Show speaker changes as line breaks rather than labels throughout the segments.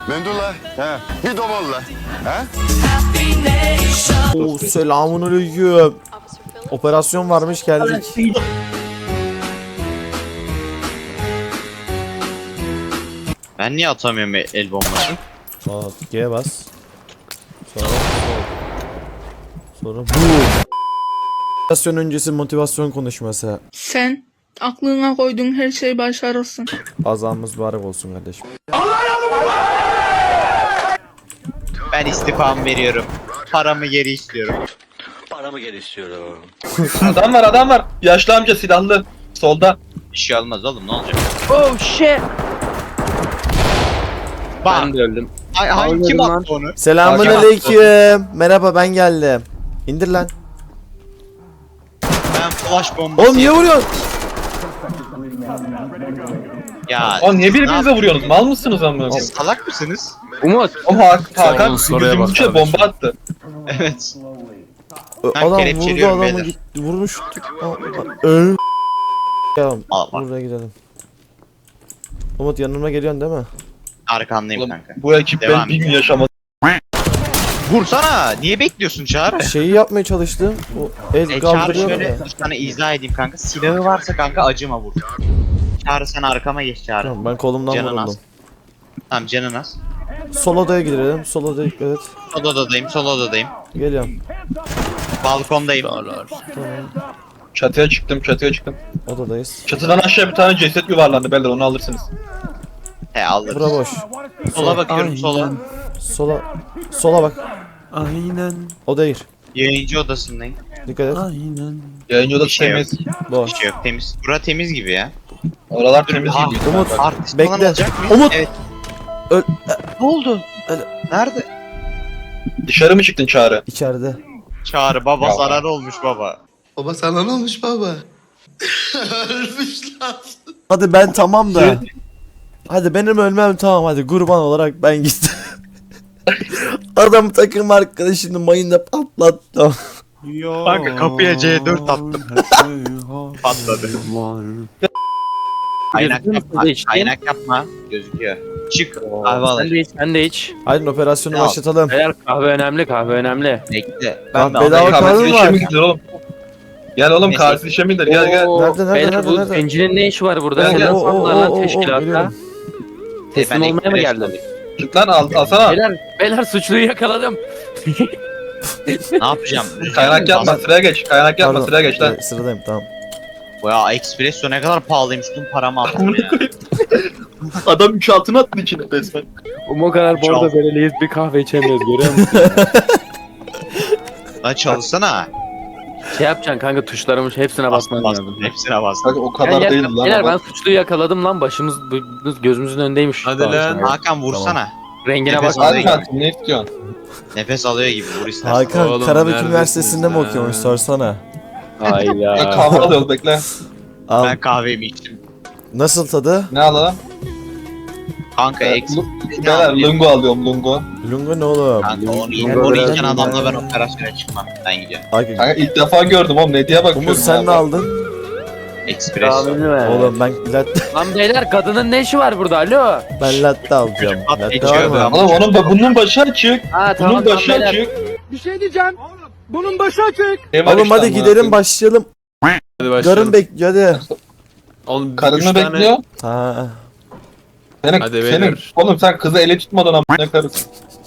Mendula. He. Bir domolla. He?
Oo, selamünaleyküm. Operasyon varmış geldik.
Ben niye atamıyorum el bombası?
Aa, G'ye bas. Sonra bu. Operasyon öncesi motivasyon konuşması.
Sen aklına koyduğun her şeyi başarırsın.
Azamız mübarek olsun kardeşim.
Ben istifamı veriyorum. Paramı geri istiyorum.
Adam var. Yaşlı amca silahlı. Solda.
Bir şey olmaz oğlum, ne olacak?
Oh shit.
Bak.
Ben de öldüm.
Ay, kim attı onu?
Selamünaleyküm. Merhaba ben geldim. İndir lan.
Ben flash bombası.
Oğlum niye vuruyorsun?
Ya.
Oğlum niye
ne
birbirinize
yap-
vuruyorsunuz? Mal mısınız amına?
Siz salak mısınız?
Umut.
O Hakan bizim içe bomba attı.
Evet. Ben
Adam vurdu
kelepçeliyorum
adamı
beyler.
gitti. Vurmuş. Öl. Ya
Al bak.
buraya gidelim. Umut yanıma geliyorsun değil mi?
Arkandayım
Oğlum,
kanka.
bu ekip
Devam
ben bir gün yaşamadı.
Vursana. Niye bekliyorsun Çağrı?
Şeyi yapmaya çalıştım. O el
Çağrı
kaldırıyor
şöyle
ya.
sana izah edeyim kanka. Silahı varsa kanka acıma vur. Çağrı sen arkama geç Çağrı.
Tamam, ben kolumdan
Canın
vuruldum.
az. Tamam canın az.
Sol odaya gidelim. Sol odaya dikkat et.
Sol odadayım, sol odadayım.
Geliyorum.
Balkondayım.
Çatıya çıktım.
Odadayız.
Çatıdan aşağı bir tane ceset yuvarlandı beyler, onu alırsınız.
He alırız.
Bura boş.
Sola bakıyorum sola.
Sola bak.
Aynen.
O değil.
Yayıncı odasındayım.
Dikkat et.
Aynen.
Yayıncı odası
Bir şey
temiz.
Boş.
Bir şey yok, temiz. Bura temiz gibi ya.
Oralar temiz
Ah,
gibi.
Umut.
Artist
Bekle.
falan olacak mı?
Umut.
Evet.
Öl-
Ne oldu? Nerede?
Dışarı mı çıktın Çağrı?
İçeride.
Çağrı baba
Ya.
zarar olmuş baba.
Baba sana ne olmuş baba? Ölmüş lan.
Hadi ben tamam da. Hadi benim ölmem tamam hadi kurban olarak ben gittim. Adam takım arkadaşını mayında patlattı.
Kanka kapıya C4 attım. Patladı. Kaynak
Gözüküyor
yapma.
musun hiç?
Kaynak yapma. Gözüküyor. Çık. Kahve al.
Sen de iç, sen de iç.
Haydi operasyonu
Ya.
başlatalım.
Beyler kahve önemli, kahve önemli.
Bekle.
Bak,
de
bedava
alayım.
kahve
Kahvesi
mi
işe
var?
mi gidiyor oğlum? Gel oğlum,
Neyse.
kahvesi işe mi gidiyor? Gel.
Oo,
Nerede,
beyler, bu
nerede?
zencinin ne işi var burada?
Gel,
Sen
gel.
insanlar lan teşkilatta.
geliyorum.
Teslim
Ben
olmaya mı
ekmek
geldin?
alayım.
Çık lan, alsana.
Beyler suçluyu yakaladım.
Ne yapacağım?
Kaynak yapma, sıraya geç. Kaynak yapma,
Pardon.
sıraya geç lan.
Sıradayım tamam.
Ya espresso ne kadar pahalıymış. Tüm paramı attım ya.
Adam 3 altın attı içine resmen.
O kadar
Çal.
bordo bereliyiz, bir kahve içemiyoruz, görüyor musun?
Lan çalışsana.
Şey yapacaksın kanka, tuşlarımız hepsine basman
Bastım,
lazım.
hepsine bastım.
Kanka o kadar
Gel,
değil
gel,
lan.
beyler ben
Adam.
suçluyu yakaladım lan, başımız gözümüzün önündeymiş.
Hadi
Daha
lan.
sonra.
Hakan vursana.
Rengine
Nefes
bak.
al.
Hakan ne istiyorsun?
Nefes alıyor gibi vur istersen.
Hakan
Oğlum,
Karabük
neredesiniz
Üniversitesi'nde mi
lan?
okuyormuş sorsana.
Ya
Hayda.
kahve alıyoruz, bekle.
Al.
Ben kahvemi içtim.
Nasıl tadı?
Ne alalım?
Kanka eksik.
Beyler lungo alıyorum, lungo.
Lungo ne oğlum?
Kanka onu
biraz
içen adamla ben
lungo.
operasyona çıkmam. Ben gidiyorum.
Hakan.
Kanka ilk defa gördüm oğlum, ne diye bakıyorum.
Umut sen ne aldın?
Espresso.
Oğlum ben latte,
Lan beyler, kadının ne işi var burada, alo?
ben latte alacağım.
Çocuk
Latte
içiyor
var mı?
adam.
Oğlum bunun başı açık.
Ha
Bunun
tamam
başı
beyler.
açık.
Oğlum hadi gidelim başlayalım.
Hadi
Garın
başlayalım.
bekliyor hadi.
Oğlum, üç
Karını
tane-
bekliyor.
Ha.
Hadi beyler.
Oğlum sen kızı ele tutmadan amına karısın.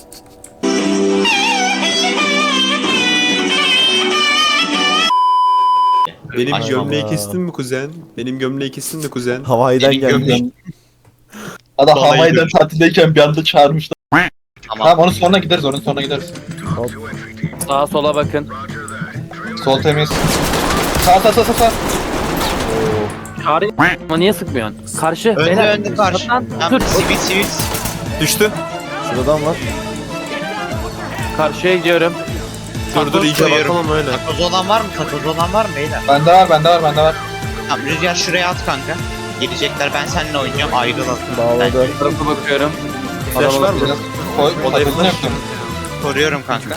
Benim
Ay
gömleği
Allah.
kestin mi kuzen? Benim gömleği kestin mi kuzen?
Hawaii'den
Benim
gelmiş.
gömleğim-
Adam
Vallahi
Hawaii'den
görüyorum.
tatildeyken bir anda çağırmışlar.
Tamam.
Tamam, onun sonra gideriz, onun sonra gideriz.
Sağa sola bakın.
Sol temiz. Sağ.
Çağrı ama niye sıkmıyorsun? Karşı
Önde
beyler.
önde karşı.
Lan,
Tamam
dur.
sivil.
Düştü.
Şuradan var.
Karşıya gidiyorum.
Dur
Takoz
iyice
koyuyorum.
bakalım öyle.
Takoz olan var mı? Takoz olan var mı beyler?
Bende var.
Tamam Rüzgar şuraya at kanka. Gelecekler, ben seninle oynayacağım, ayrılalım.
Bağladı.
Bu tarafa bakıyorum.
Flash var mı?
Biraz koy,
Odaya
takılını
flash.
yaptım.
Koruyorum kanka.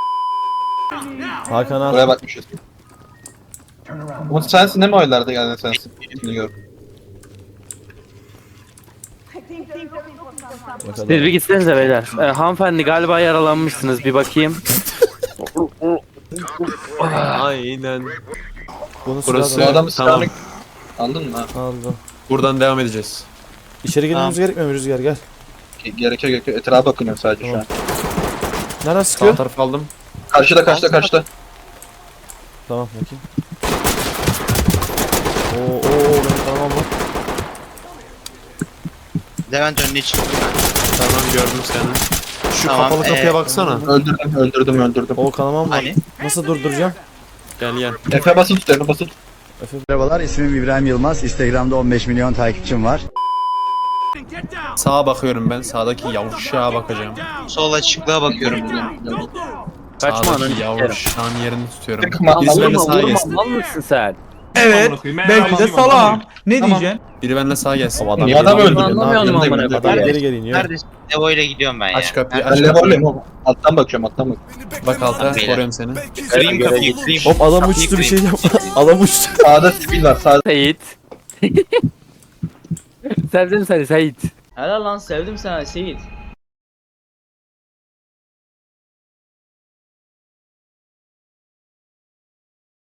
Hakan al.
Buraya bakmışız. Umut sensin değil mi oylarda geldin sensin? Şimdi gör.
Siz bir gitsenize beyler. Hanımefendi galiba yaralanmışsınız bir bakayım.
Aynen.
Bunu
Burası-
Bu
sırada
adamı
Tamam.
silahını... Anladın mı?
aldım.
Buradan devam edeceğiz.
İçeri girmemiz gerekmiyor mu Rüzgar gel.
Gerekiyor. Etrafa bakınıyor sadece şu an.
Nereden
Sağ
sıkıyor?
taraf aldım.
Karşıda.
Tamam bakayım. Oo benim kanamam var.
Levent önüne çıktım ben.
Tamam gördüm seni. Şu
Tamam,
kapalı kapıya baksana.
Öldürdüm.
O kanamam var.
Hani?
Nasıl durduracağım?
Gel.
Efe basın tut, Efe basın.
Merhabalar, ismim İbrahim Yılmaz. Instagram'da 15 milyon takipçim var.
Sağa bakıyorum ben. Sağdaki yavşağa bakacağım.
Sol açıklığa bakıyorum.
Kaçma ananı
Sağdaki
sikerim.
yavşağın yerini tutuyorum.
Sıkma,
Birisi benimle
Vurma
sağa
vurma
gelsin.
mal mısın sen?
Evet. Belki de salam. Ne diyeceksin?
Biri benimle sağa gelsin.
Niye adam
Anlamıyorum
öldürüyor?
amına
Yanındayım,
koyayım.
Adam
yanındayım.
geri geri iniyor.
Neredesin? Levo ile gidiyorum ben ya.
Aç kapıyı
Ben
aç
levoleyim
kapıyı.
oğlum. Alttan bakıyorum.
Bak alta
Beyler.
koruyorum seni.
Kırayım kapıyı kırayım.
Hop adam uçtu bir şey yapma. Adam uçtu.
Sağda sivil var. Sağda.
Seyit. Sevdim seni Seyit.
Helal lan sevdim seni Seyit.